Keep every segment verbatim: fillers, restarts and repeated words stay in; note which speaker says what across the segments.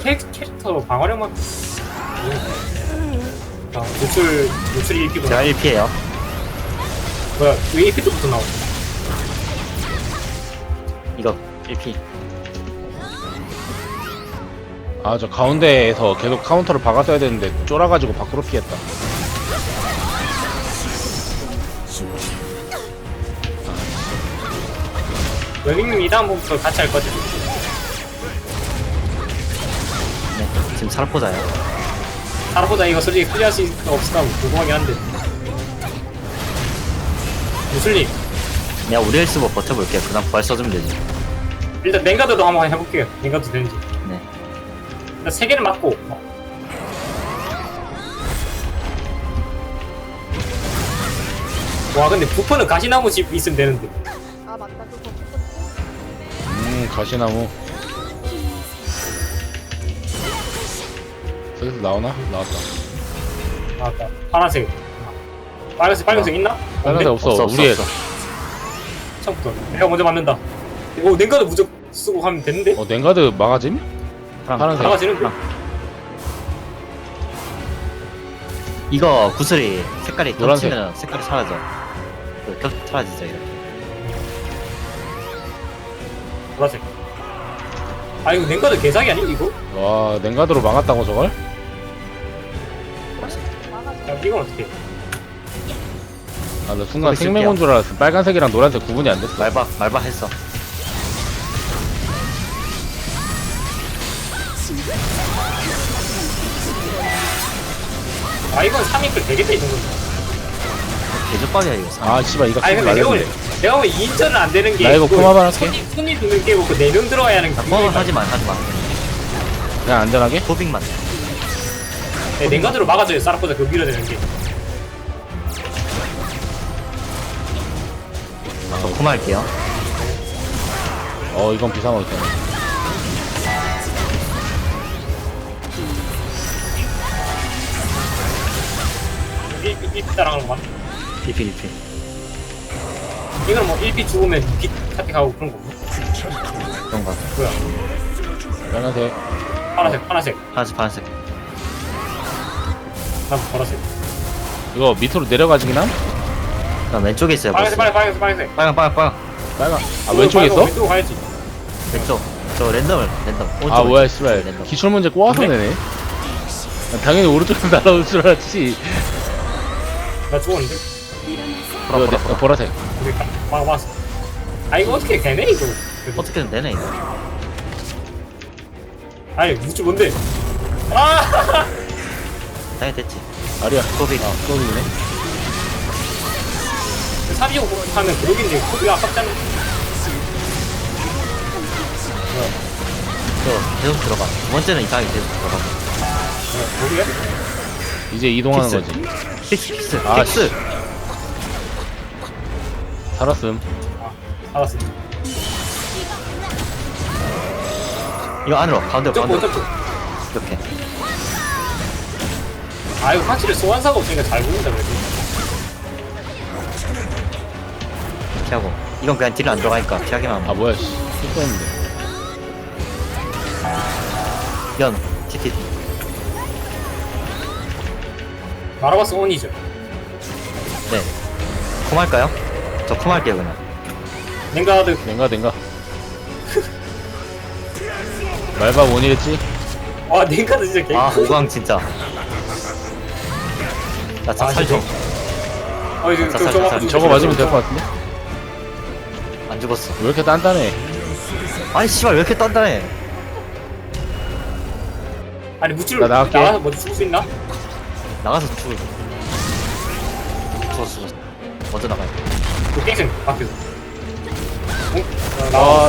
Speaker 1: 캐, 캐릭터 방어력만 아, 노출 노출이 일 피구나.
Speaker 2: 제가 일 피에요.
Speaker 1: 뭐야 왜 일 피부터 나오지?
Speaker 2: 이거 일 피.
Speaker 3: 아 저 가운데에서 계속 카운터를 박았어야 되는데 쫄아가지고 밖으로 피했다.
Speaker 1: 여객님 이 다음부터 같이 할 거지?
Speaker 2: 네, 지금 살포자요.
Speaker 1: 살아보자. 이거 솔직히 클리어할 수 있을까 없을까 궁금하긴 한데. 무슬님
Speaker 2: 내가 우리 헬스버 버텨볼게요. 그 다음 부활 써주면 되지.
Speaker 1: 일단 랭가드도 한번 해볼게요. 랭가드 되는지.
Speaker 2: 네.
Speaker 1: 일단 세 개를 맞고 와 근데 부퍼는 가시나무 집 있으면 되는데.
Speaker 4: 아 맞다 그거
Speaker 3: 음 가시나무. 저기서 나오나? 나왔다.
Speaker 1: 나왔다. 파란색. 빨간색 빨간색 있나?
Speaker 3: 빨간색 없어.
Speaker 2: 없어, 없어,
Speaker 3: 우리 애.
Speaker 2: 없어.
Speaker 1: 처음부터 내가 먼저 맞는다. 오 랭가드 무적 쓰고 하면 되는데?
Speaker 3: 어 냉가드 막아짐?
Speaker 2: 파랑,
Speaker 3: 파란색.
Speaker 1: 막아지는데?
Speaker 2: 이거 구슬이 색깔이
Speaker 3: 노란색.
Speaker 2: 겹치면 색깔이 사라져. 그 겹 사라지죠 이렇게.
Speaker 1: 보라색. 아 이거 랭가드 개사기 아니 이거?
Speaker 3: 와 냉가드로 막았다고 저걸?
Speaker 1: 야 이건 어떻게?
Speaker 3: 아 나 순간
Speaker 2: 거기
Speaker 3: 생명인 줄 알았어. 빨간색이랑 노란색 구분이 안 됐어.
Speaker 2: 말박 말박 했어.
Speaker 1: 아 이건 삼 인클 되겠다 이 정도면.
Speaker 2: 개조밥이야 이거.
Speaker 3: 아 씨발 이거
Speaker 1: 아니
Speaker 3: 쓰지
Speaker 1: 근데 내가 보면
Speaker 3: 말랬는데.
Speaker 1: 내가 보면 이 인전은 안 되는 게
Speaker 3: 나 이거
Speaker 1: 그
Speaker 3: 코마반 할게.
Speaker 1: 손님 손님 두명 깨고 그 네 명 들어와야 하는
Speaker 2: 나
Speaker 1: 게
Speaker 2: 포함 하지마 하지마.
Speaker 3: 그냥 안전하게?
Speaker 2: 토빙만.
Speaker 1: 네, 랭가드로 막아줘요. 싸라보자 그 밀어내는 게.
Speaker 2: 저 코마할게요.
Speaker 3: 어 이건 비상어있다.
Speaker 1: 일 피 일 피 따라가는 거 맞나?
Speaker 2: 일 피 일 피.
Speaker 1: 이거는 뭐 일 피 죽으면 이 피 카택하고 그런 거 없나?
Speaker 2: 그런 거 같아.
Speaker 1: 뭐야?
Speaker 3: 빨간색.
Speaker 1: 파란색 파란색
Speaker 2: 파란색 파란색.
Speaker 1: 난 보라색.
Speaker 3: 이거 밑으로 내려가지긴 함?
Speaker 2: 그다음 왼쪽에 있어요.
Speaker 1: 빨간색
Speaker 2: 보스.
Speaker 1: 빨간색 빨간색 빨간색.
Speaker 2: 빨강 빨강 빨강.
Speaker 3: 빨간. 아 왼쪽에 있어?
Speaker 1: 왼쪽 가야지.
Speaker 2: 왼쪽. 저 랜덤을 랜덤. 오른쪽,
Speaker 3: 아 뭐야
Speaker 2: 왼쪽.
Speaker 3: 씨발
Speaker 2: 랜덤.
Speaker 3: 기출 문제 꼬아서
Speaker 1: 근데?
Speaker 3: 내네. 난 당연히 오른쪽에서 날아올 줄 알았지.
Speaker 1: 나 죽었는데?
Speaker 2: 보라
Speaker 3: 이거
Speaker 2: 보라
Speaker 3: 내-
Speaker 2: 보라.
Speaker 3: 어, 보라색.
Speaker 1: 우리 가- 막 막았어. 아 이거 어떻게 되네 이거. 그래도.
Speaker 2: 어떻게든 되네 이거.
Speaker 1: 아니 무지 뭔데? 아!
Speaker 2: 당연히 됐지.
Speaker 3: 아리야.
Speaker 2: 토빙.
Speaker 3: 아 또이네.
Speaker 1: 삼십오 하면 그러긴데 코비 아깝잖아.
Speaker 2: 저 계속 들어가. 두 번째는 이상하게 계속 들어가.
Speaker 1: 거기야?
Speaker 3: 이제 이동하는
Speaker 2: 픽스.
Speaker 3: 거지.
Speaker 2: 픽스 픽스
Speaker 3: 아,
Speaker 2: 픽스.
Speaker 3: 살았음.
Speaker 1: 알았어.
Speaker 2: 이거 안으로 가운데로
Speaker 1: 점프
Speaker 2: 가운데로.
Speaker 1: 점프.
Speaker 2: 이렇게.
Speaker 1: 아 이거 확실히 소환사가 없으니까 잘 보인다 그래도.
Speaker 2: 이렇게 하고. 이건 그냥 딜 안 들어가니까 피하기만 하면.
Speaker 3: 아 뭐야 씨. 실수했는데.
Speaker 2: 연 티티.
Speaker 1: 마라바스 온이죠.
Speaker 2: 네. 콤 할까요? 저 콤 할게요 그냥.
Speaker 1: 랭가드
Speaker 3: 냉가 냉가. 말바 원이랬지?
Speaker 1: 와 랭가드 진짜 개.
Speaker 2: 아 오광 진짜. 나
Speaker 1: 아,
Speaker 2: 참 살죠.
Speaker 1: 어 이거
Speaker 2: 자,
Speaker 1: 저
Speaker 2: 자,
Speaker 1: 저거
Speaker 2: 자,
Speaker 1: 아프지?
Speaker 3: 저거 맞으면 될 것 같은데?
Speaker 2: 안 죽었어.
Speaker 3: 왜 이렇게 단단해?
Speaker 2: 아니 씨발 왜 이렇게 단단해?
Speaker 1: 아니 무치를
Speaker 3: 나 나갈게.
Speaker 1: 나가서 먼저 죽을 수 있나?
Speaker 2: 나가서 죽을. 죽었어 죽었어. 먼저 나가야 돼.
Speaker 1: 그 땡생 밖에서. 응? 어, 나.
Speaker 3: 아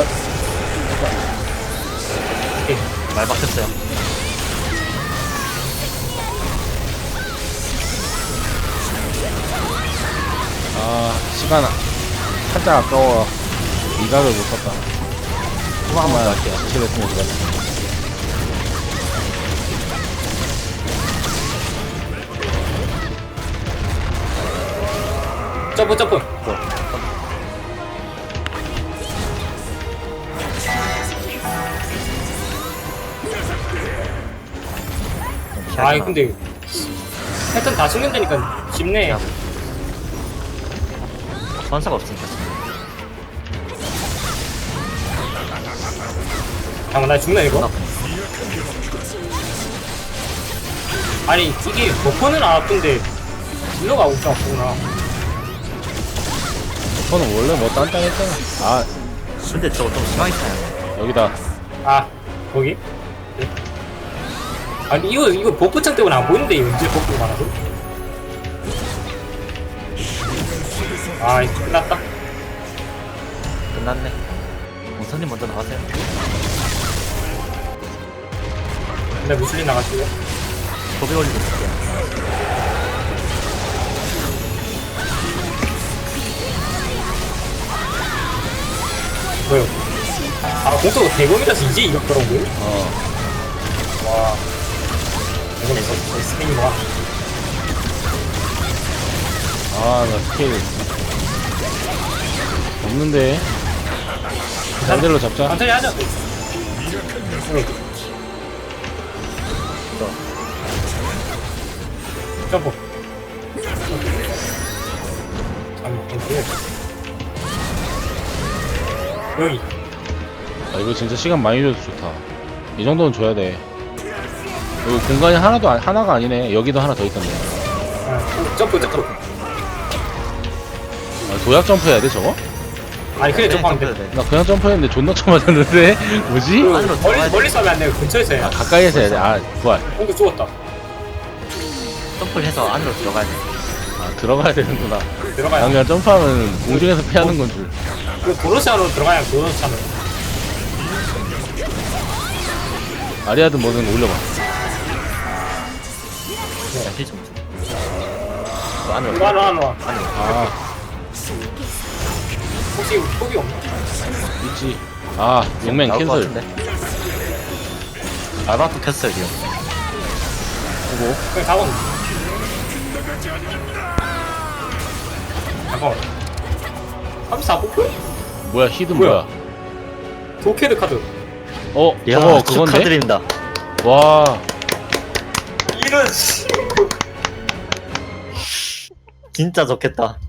Speaker 1: 오케이.
Speaker 2: 말 박혔어요.
Speaker 3: 아 시간 살짝 아까워. 이각을 못 썼다.
Speaker 2: 한번 할게요.
Speaker 3: 지체됐으면 좋겠다.
Speaker 1: 점프 점프. 아이 근데 패턴 다 숙련되니까 쉽네.
Speaker 2: 야. 선사가 없으니까.
Speaker 1: 잠깐 나 죽나 이거?
Speaker 2: 나
Speaker 1: 아니 이게 버퍼는 안 아픈데 딜러가 엄청 아프구나.
Speaker 3: 저는 원래 뭐 단단했잖아. 아
Speaker 2: 근데 저거 좀 심하게 타요.
Speaker 3: 여기다.
Speaker 1: 아 거기? 네. 아니 이거 이거 버프창 때문에 안 보이는데 이거 언제 버프가 많아서? 아 이거 끝났다.
Speaker 2: 끝났네. 원선님 먼저 나가세요.
Speaker 1: 근데 무슬림 나갔어요.
Speaker 2: 도배 올리고 있을게요.
Speaker 1: 뭐요? 아 공수가 대검이라서 이제 이겼더라고요?
Speaker 3: 어.
Speaker 1: 와 대검 있어 스페인 와.
Speaker 3: 아나 스킬 없는데. 반대로 잡자.
Speaker 1: 천천히 하자. 응. 점프. 아, 점프. 여기.
Speaker 3: 아 이거 진짜 시간 많이 줘서 좋다. 이 정도는 줘야 돼. 여기 공간이 하나도 안- 하나가 아니네. 여기도 하나 더 있던데.
Speaker 1: 아, 점프 점프.
Speaker 3: 아, 도약 점프 해야 돼 저거?
Speaker 1: 아니 그래
Speaker 2: 네,
Speaker 1: 점프하면 돼.
Speaker 2: 점프해야 돼.
Speaker 3: 나 그냥 점프했는데 존나 쳐맞았는데 뭐지?
Speaker 1: 그,
Speaker 2: 안으로
Speaker 1: 멀리
Speaker 2: 들어가야
Speaker 1: 멀리 쏘면 안 돼. 근처에서
Speaker 3: 아
Speaker 1: 해야.
Speaker 3: 가까이에서 해야 돼. 아 부활.
Speaker 1: 공도 죽었다.
Speaker 2: 점프를 해서 안으로 들어가야 돼.
Speaker 3: 아 들어가야 되는구나.
Speaker 1: 들어가야.
Speaker 3: 난 그냥 점프하면 공중에서 피하는 건 줄.
Speaker 1: 그 도로시 안으로 들어가야 도로시 안으로.
Speaker 3: 아리아드 뭐든 올려봐.
Speaker 2: 힐 좀. 줘. 또 안으로.
Speaker 1: 이거 안으로 안으로. 와.
Speaker 2: 안으로.
Speaker 3: 아
Speaker 1: 혹시 폭이 없나?
Speaker 3: 있지. 아 용맹
Speaker 2: 나올 것
Speaker 3: 캔슬.
Speaker 2: 같은데? 알바도 켰어요 지금.
Speaker 3: 보고.
Speaker 1: 그냥 잡아. 잠깐만. 삼십사 폭?
Speaker 3: 뭐야 히든
Speaker 1: 뭐야?
Speaker 3: 뭐야?
Speaker 1: 도캐드 카드.
Speaker 3: 어
Speaker 2: 야,
Speaker 3: 저거 그건데?
Speaker 2: 축하드립니다.
Speaker 3: 와
Speaker 1: 이런 씨.
Speaker 2: 진짜 좋겠다.